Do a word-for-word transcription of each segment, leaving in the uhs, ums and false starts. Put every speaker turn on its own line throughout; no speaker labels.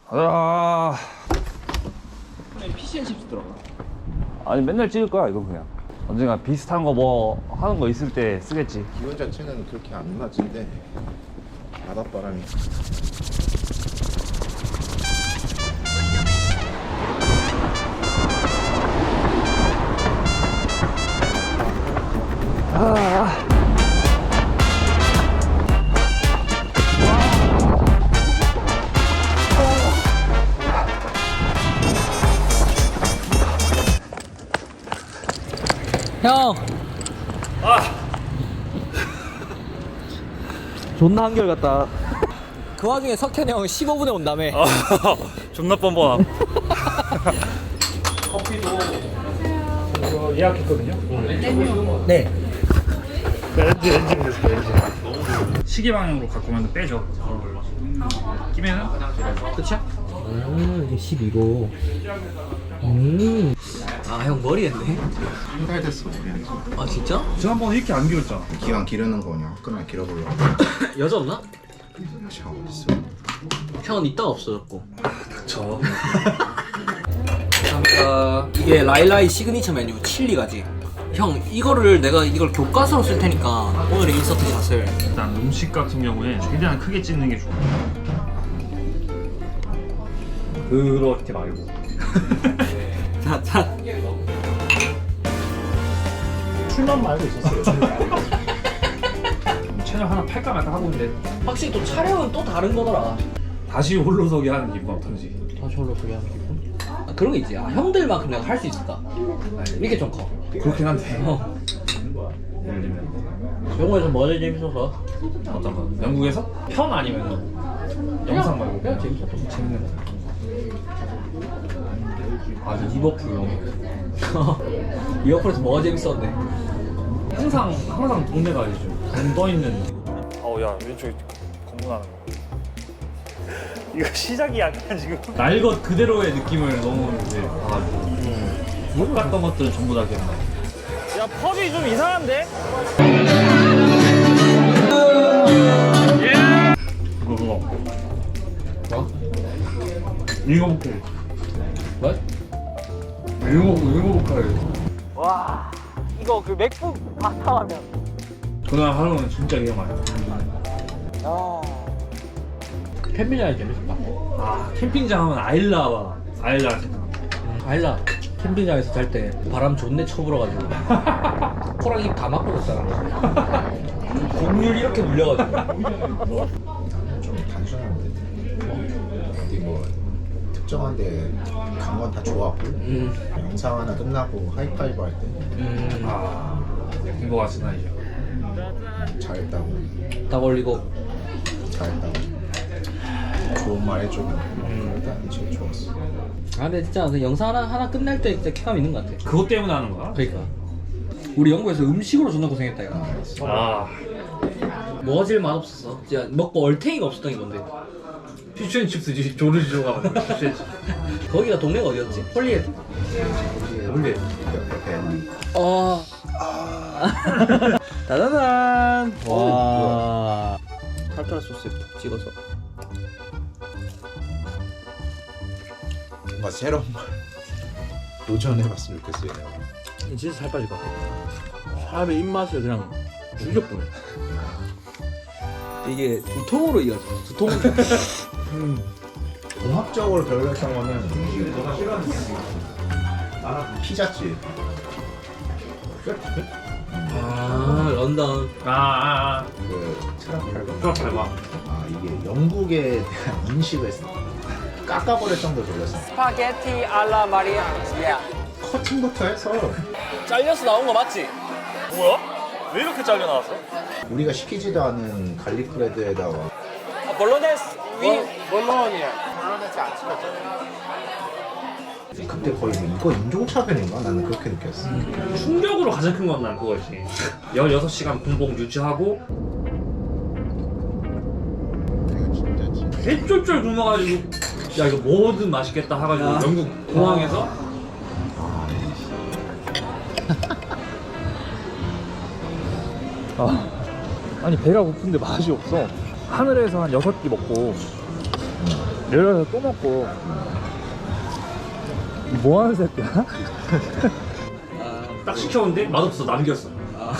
가자.
피시앤 칩스 들어가.
아니 맨날 찍을 거야 이거 그냥. 언젠가 비슷한 거 뭐 하는 거 있을 때 쓰겠지.
기온 자체는 그렇게 안 낮은데 바닷바람이
아.
형. 아. 존나 한결같다. 그 와중에 석현이 형 십오 분에 온다며.
아, 존나 뻔뻔함.
커피도
이거 예약했거든요.
네.
렌즈 렌즈 됐어 렌즈. 시계 방향으로 갖고 오면 빼죠. 끼면은
끝이야? 음, 이게 십이로. 음. 아, 형 머리 했네.
한 달 됐어 우리는.
아, 진짜?
지난번에 이렇게 안 길었잖아.
기왕 기르는 거냐 화끈하게 길어보려고.
여자 없나?
샤워 어딨어.
형은 이따가 없어졌고.
저.
감사합니다. 이게 라일라이 시그니처 메뉴 칠리가지. 형, 이거를 내가 이걸 교과서로 쓸 테니까 오늘의 인서트 샷을.
일단 음식 같은 경우에 최대한 크게 찍는 게 좋아. 그렇게 말고.
자, 자.
출만 말고 있었어요. 채널 하나 팔까 말까 하고 있는데
확실히 또 촬영은 또 다른 거더라.
다시 홀로서기 하는 기분 어떤지.
다시 홀로 소개 하는 기분? 아, 그런 게 있지. 아, 형들만큼 내가 할 수 있을까? 이게 좀 커.
그렇긴 한데.
어.
예를 들면
영어에서 뭐가 제일 재밌어서?
어떤 거? 영국에서? 편 아니면 영상 말고
그냥 재밌었던 거.
재밌는 거.
아, 리버풀 영어. 리버풀에서 뭐가 재밌었는데?
항상 항상 동네가 알죠. 돈 있는. 어우 야 왼쪽에 검문하는 거. 이거 시작이 약간 지금. 날 것 그대로의 느낌을 너무 이제 봐가지고. 못 갔던 것들은 전부 다 기억나. 야 펍이 좀 이상한데? 그거 그거.
뭐?
읽어볼게.
뭐?
읽어보고 읽어볼게.
와, 이거 그 맥북 바탕화면.
그날 하루는 진짜 위험하네.
야. 캠핑장이 재밌었다.
아 캠핑장 하면 아일라와 아일라 생각나.
아일라 캠핑장에서 잘 때 바람 존내 쳐불어가지고 코랑 입 다 막고 잤잖아. 곡률 이렇게 물려가지고.
좀 단순한데 어디 뭐 특정한데 간 건 다 좋았고
음,
영상 하나 끝나고 하이파이브 할 때
음,
아 행복한 순간이죠.
잘했다고
딱 올리고.
잘했다고 좋은 말 해주고 그럴 때는 제일 좋았어.
아, 근데 진짜 그 영상 하나 하나 끝날 때 진짜 쾌감 있는 것 같아.
그것 때문에 하는 거야?
그러니까 우리 영국에서 음식으로 존나 고생했다 이거.
아
뭐가 제일 맛없었어? 진짜 먹고 얼탱이가 없었던 게 뭔데?
피쉬앤칩스지. 조르지조가 만든 피쉬앤칩스.
거기가 동네가 어디였지? 홀리헤드?
근데
옆에
어. 따다단. 와. 타르타르 소스에 푹 찍어서.
뭔가 새로운 걸 도전해봤으면 좋겠어요. 내가.
진짜 살 빠질 것 같아. 사람의 입맛을 그냥 죽여보네. 이게 두통으로 이어져. 두통. 음.
종합적으로 별로였던 거는 피자집.
아, 런던.
아아아
그 트라팔가.
그거 밟아.
아 이게 영국에 대한 인식을 깎아버릴 정도 돌렸어.
스파게티 알라 마리아. 예.
커팅부터 해서
잘려서 나온 거 맞지?
뭐야? 왜 이렇게 잘려 나왔어?
우리가 시키지도 않은 갈릭 브레드에다가
아, 볼로네스 위. 볼로니아.
그때 거의 뭐 이거 인종차별인가? 나는 그렇게 느꼈어.
충격으로 가장 큰 건 난 그거지. 열여섯 시간 공복 유지하고
내가 진짜 진짜
개쫄쫄 굶어가지고 야 이거 뭐든 맛있겠다 해가지고
야.
영국 공항에서 아, 아니 배가 고픈데 맛이 없어. 하늘에서 한 여섯 끼 먹고 내려서 또 먹고. 뭐 하는 새끼야? 딱 시켰는데 맛없어. 남겼어.
어?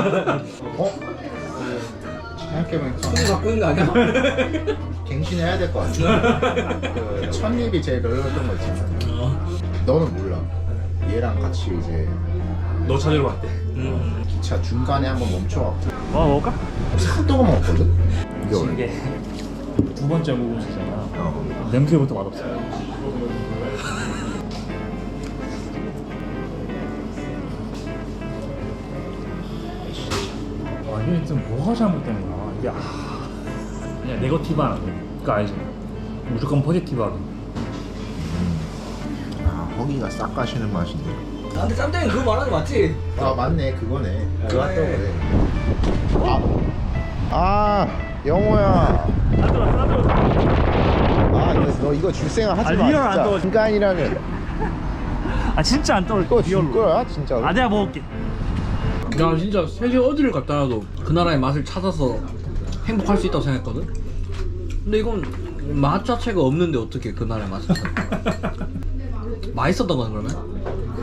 생각해보니까
손이 갖고 있는 거 아니야?
갱신해야 될 것 같아. 그 첫입이 제일 별로였던 거 있잖아. 너는 몰라. 얘랑 같이 이제
너 찾으러 갔대.
음.
기차 중간에 한번 멈춰갖고
뭐 먹을까?
핫도그 먹었거든? 이게 원래
이게 두 번째 먹음식이잖아.
어.
냄새부터 맛없어. 와 이게 지금 뭐가 잘못된 거야? 이게 아... 그냥 네거티브한 그거 알지? 무조건 포지티브하게.
아 허기가 싹 가시는 맛인데.
나한테 짬뽕이 그거 말하는 거 맞지?
아 맞네 그거네. 그 핫도그네. 아, 아 영호야.
안 들어왔어 안 들어왔어.
아 너, 너 이거 줄 생각 하지
아,
마.
리얼 안
진짜.
떠.
인간이라면
아 진짜 안 떨어져.
이거 줄 거야 진짜로.
아 내가 먹을게.
야 진짜 세계 어디를 갔다 와도 그 나라의 맛을 찾아서 행복할 수 있다고 생각했거든? 근데 이건 맛 자체가 없는데 어떻게 그 나라의 맛을 찾아? 맛있었던 건 그러면?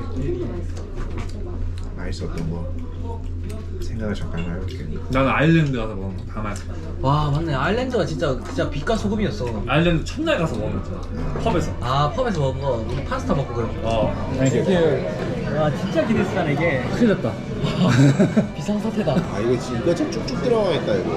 맛있었던 거 생각을 잠깐 해볼게.
나는 아일랜드 가서 먹은 거 다 맛있어.
와 맞네 아일랜드가 진짜 진짜 빛과 소금이었어.
아일랜드 첫날 가서 먹은 거잖아. 펍에서.
아 펍에서 먹은 거 파스타 먹고 그런 거.
어.
와 진짜 기대했다 이게. 큰일 났다. 비상사태다.
아 이거 지- 이거 진짜 쭉쭉 들어가겠다 이거.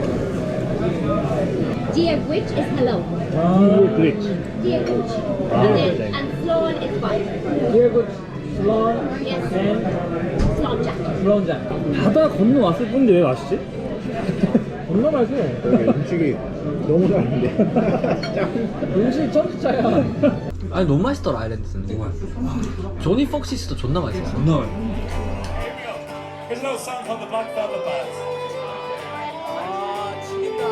Dear which is hello.
그렇지.
Dear which. And then and Sloan is what?
Dear good 슬론
Yes. Sloan Jack.
슬론장.
바다 건너 왔을 뿐인데 왜 맛있지? 겁나 맛있어.
여기 음식이 너무 잘한데.
음식 천차야. 아니 너무 맛있더라 아일랜드는. 너무 맛있어. 조니 폭시스도 존나 맛있었어.
겁나 맛있어.
Here's no song from the Black Velvet Bands.
아 지긴다.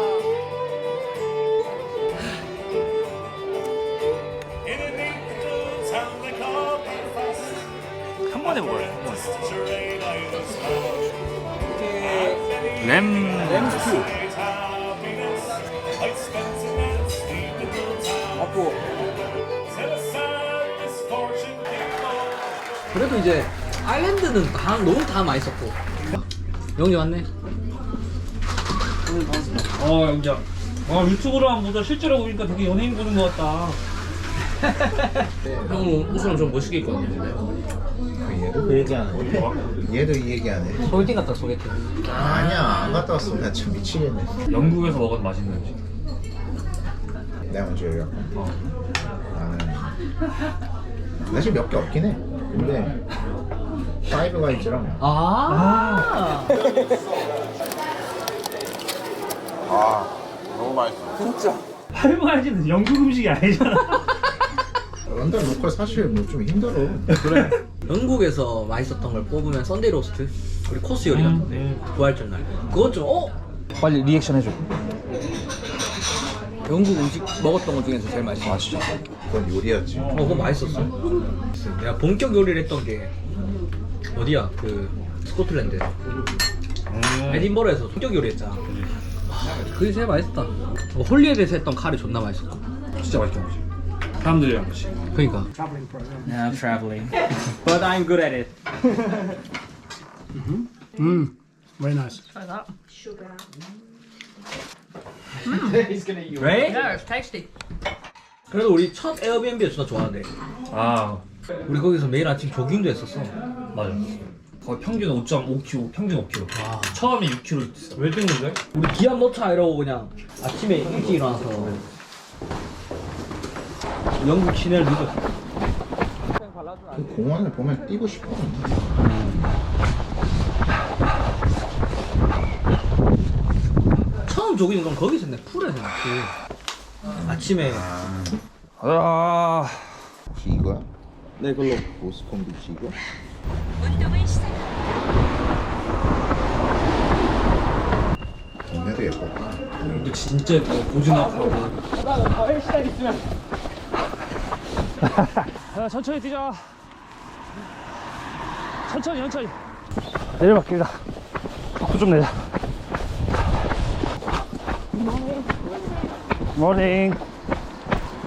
In a neat little town they call Belfast.
한 번에 먹어요. 한 번에.
Terrain I was found.
램.
램스튜.
Happiness, I'd spent in that sweet little town.
맞고.
Till a sad misfortune came along.
그래도 이제 아일랜드는 다, 너무 다 맛있었고. 영지 왔네.
어 영자. 아 유튜브로만 보다 실제로 보니까 되게 연예인 보는 것 같다.
형 옷을 좀 멋있게 입고 왔네.
얘도 그 얘기하네. 얘도 이 얘기하네.
소개팅 갔다 소개팅.
아니야 안 갔다 왔어. 나 참 미치겠네.
영국에서 먹은 맛있는 음식.
내가 먼저 얘기할까? 나는 사실 몇 개 없긴 해. 근데 파이브 가이즈랑
아.
아 너무 맛있어.
할머니는 영국 음식이 아니잖아.
런던 로컬 사실 뭐 좀 힘들어.
그래. 영국에서 맛있었던 걸 뽑으면 썬데이 로스트 우리 코스 요리 같은데
음.
부활절 날 그것 좀 어?
빨리 리액션 해줘.
영국 음식 먹었던 것 중에서 제일 맛있어. 아 진짜?
그건 요리였지.
어 그거 맛있었어. 내가 본격 요리를 했던 게 어디야? 그 스코틀랜드
음.
에딘버러에서 본격 요리 했잖아. 와, 그게 제일 맛있었다. 어, 홀리에드에서 했던 카레 존나 맛있었고.
진짜 맛있게 먹지. 사람들이랑 같이.
그러니까
Yeah, I'm traveling, but I'm good at it.
Very nice.
right? Yeah, it's tasty. 그래도 우리 첫 에어비앤비에서 나 좋아하는데
아
우리 거기서 매일 아침 조깅도 했었어.
맞아. 거의 평균 오 점 오 킬로그램, 평균 오 킬로그램.
와.
처음에 육 킬로그램 있어. 왜 뜬건데?
우리 기합 넣자 이러고 그냥 아침에 일찍 일어나서 영국 시내를 누볐어.
그 공원을 보면 뛰고 싶어.
처음 조깅 건 거기서 했네. 풀에서 했지. 아침에
아.
혹시 이거야? 네 그걸로 모스콘 비치 이거? 동네도 예뻐.
근데 진짜 뭐 고즈넉하고. 야, 천천히 뛰자. 천천히 천천히. 내려갈게다. 바꾸 좀 내자. 모닝.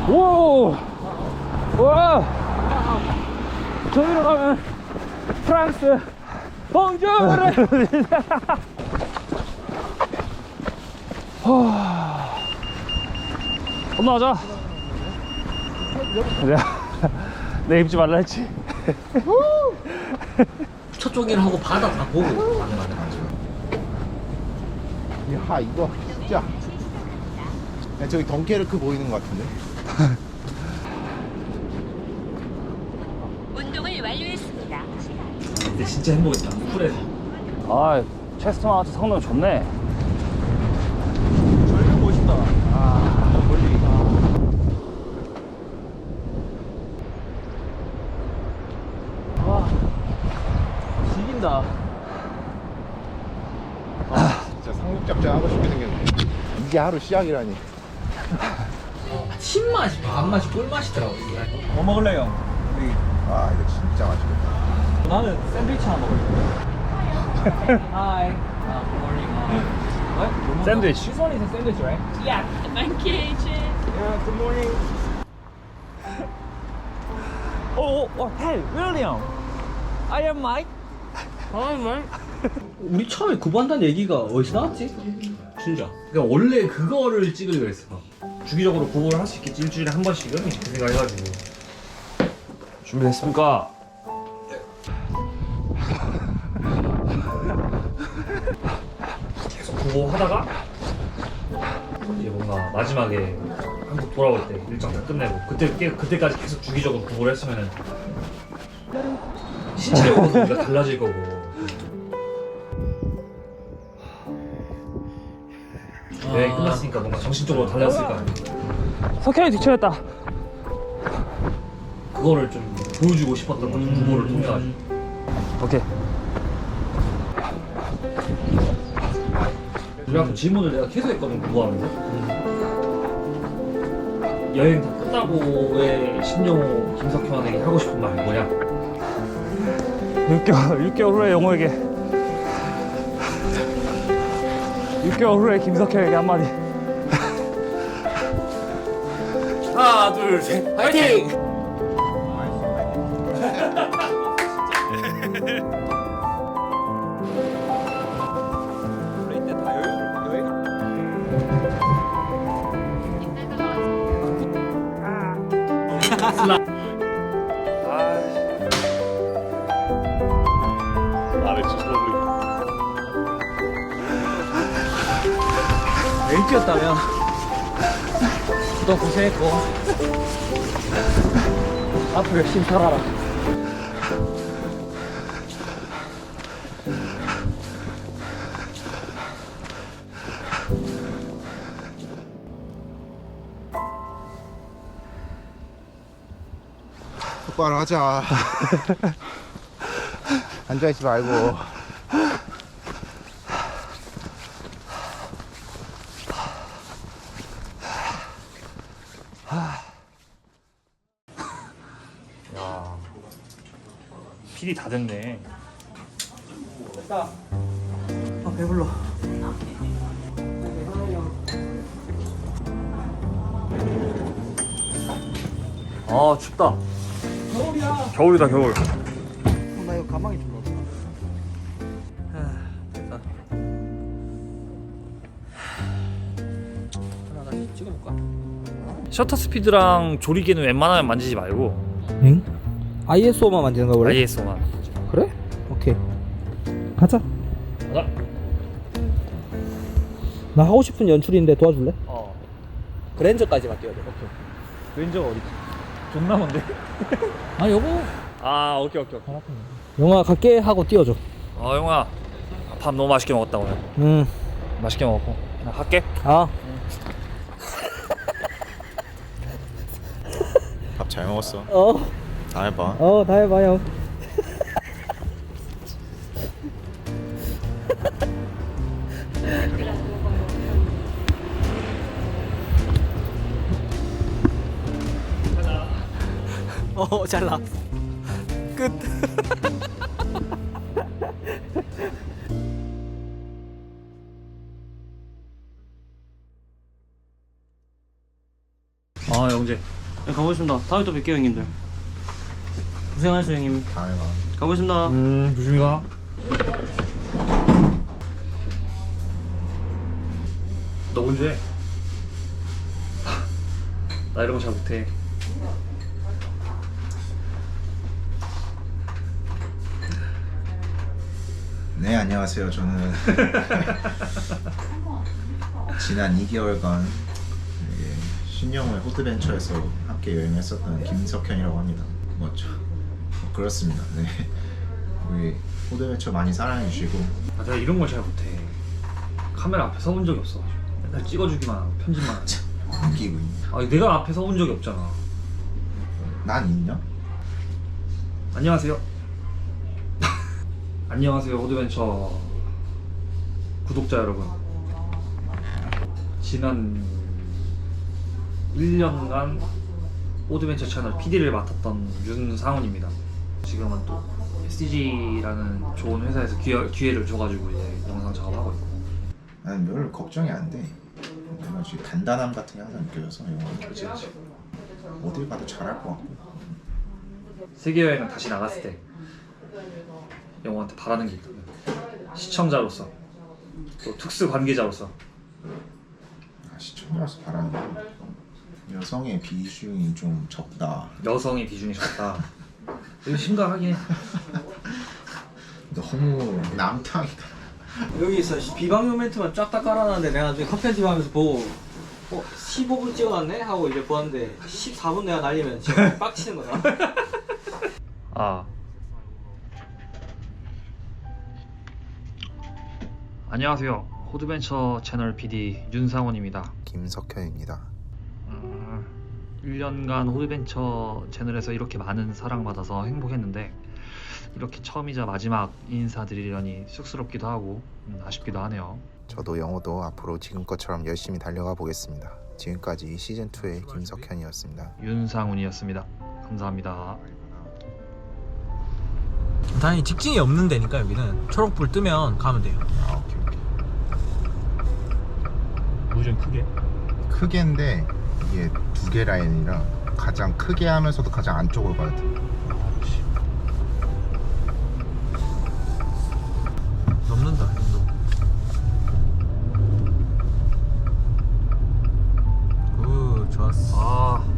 오! 와! 저기로 가면 프랑스 봉주르! 건너가자. 내가 내 입지 말라 했지.
첫 쪽이랑 하고 바다 다 보고 가는 거네.
야 이거 진짜. 야, 저기 덩케르크 보이는 것 같은데.
운동을 완료했습니다.
근데 진짜 행복했다. 쿨해서. 아, 체스터마트 성능 좋네.
절벽 멋있다. 아, 멀리. 와, 죽인다.
아, 진짜 상륙작전 하고 싶게 생겼네. 이게 하루 시작이라니.
신맛이 밥맛이 꿀맛이더라고.
뭐 먹을래요?
아 이거 진짜 맛있겠다.
나는 샌드위치 하나 먹을래.
Hi. Uh, good morning. What?
샌드위치.
This one is a sandwich, right?
Yeah, thank you. Cheers.
Yeah. Good morning.
오, 오, hey, William. I am Mike.
Hi, Mike. 우리 처음에 구보한다는 얘기가 어디서 나왔지? 진짜. 그러니까 원래 그거를 찍으려고 했어.
주기적으로 구보를 할 수 있겠지. 일주일에 한 번씩은 그 생각해가지고. 준비됐습니까? 계속 구보하다가 이제 뭔가 마지막에 한국 돌아올 때 일정 다 끝내고 그때 깨- 그때까지 계속 주기적으로 구보를 했으면은 신체적으로도 우리가 달라질 거고. 여행 끝났으니까 뭔가 정신적으로 달라졌을 거 아니야. 석현이 뒤쳐졌다. 그거를 좀 보여주고 싶었던 거지. 구보를 통해 가지고. 오케이. 그래갖고 질문을 내가 계속 했거든. 구보하면서. 여행 다 끝나고의 신용호 김석현에게 하고 싶은 말이 뭐냐? 육 개월 육 개월 후에 영호에게 육 개월 후에 김석현에게 한마디. 하나 둘 셋 파이팅!
일기였다면 너 고생했고 앞으로 열심히 살아라.
똑바로 하자. 앉아있지 말고.
야, 필이 다 됐네.
아 배불러.
아 춥다.
겨울이야.
겨울이다 겨울.
나 이거 가방에 좀 넣었다. 됐다. 하나 다시 찍어볼까?
셔터 스피드랑 조리개는 웬만하면 만지지 말고
응? 아이에스오만 만드는 거 원래?
아이에스오만.
그래? 오케이 가자.
가자.
나 하고 싶은 연출인데 도와줄래?
어.
그랜저까지만 뛰어야 돼. 오케이.
왼쪽 어디? 존나 먼데?
아 여보.
아 오케이 오케이 오케이.
영화 갈게 하고 뛰어줘.
어 영아 밥 너무 맛있게 먹었다 오늘.
응.
맛있게 먹었고 나 갈게.
아.
밥 잘 먹었어.
어.
다음에 봐.
어, 다 해봐요. 어, 잘라. 끝.
아 영재.
네, 가보겠습니다. 다음에 또 뵐게요 형님들. 고생하셨어요 형님.
다음에 봐.
가보겠습니다.
음 조심히 가. 너 운전해. 나 이런 거 잘 못해.
네, 안녕하세요. 저는 지난 이 개월간 예, 신영호의 호드벤처에서 함께 여행했었던 김석현이라고 합니다. 맞죠? 뭐 그렇습니다. 네, 우리 호드벤처 많이 사랑해 주시고.
아, 내가 이런 걸 잘 못해. 카메라 앞에 서본 적이 없어. 맨날 찍어주기만 하고 편집만 하고.
웃기고 있네.
아 내가 앞에 서본 적이 없잖아.
난 있냐?
안녕하세요. 안녕하세요 호드벤처 구독자 여러분. 지난 일 년간 호드벤처 채널 피디를 맡았던 윤상훈입니다. 지금은 또 에스디지라는 좋은 회사에서 기회, 기회를 줘가지고 이제 영상 작업하고 있고.
나는 별로 걱정이 안 돼. 내가 지금 단단함 같은 게 항상 느껴져서 영화.
그치 그치.
어딜 가도 잘할 것 같고.
세계여행을 다시 나갔을 때 영호한테 바라는 게 있거든. 시청자로서 또 특수 관계자로서.
아, 시청자로서 바라는 거. 여성의 비중이 좀 적다.
여성의 비중이 적다. 이거 심각하긴 해.
너무 남탕이다.
여기서 비방용 멘트만 쫙 다 깔아놨는데 내가 나중에 커피 한팀 하면서 보고 어? 십오 분 찍어놨네? 하고 이제 보았는데 십사 분 내가 날리면 진짜 빡치는 거다.
아 안녕하세요 호드벤처 채널 피디 윤상훈입니다.
김석현입니다.
음, 일 년간 호드벤처 채널에서 이렇게 많은 사랑받아서 행복했는데 이렇게 처음이자 마지막 인사드리려니 쑥스럽기도 하고 음, 아쉽기도 하네요.
저도 영어도 앞으로 지금것처럼 열심히 달려가 보겠습니다. 지금까지 시즌이의 김석현이었습니다.
윤상훈이었습니다. 감사합니다.
당연히 직진이 없는 데니까 여기는 초록불 뜨면 가면 돼요.
아, 오케이 오케이.
우전 크게?
크게인데 이게 두 개 라인이라 가장 크게 하면서도 가장 안쪽으로 가야 돼.
넘는다 이 정도. 굿 좋았어.
아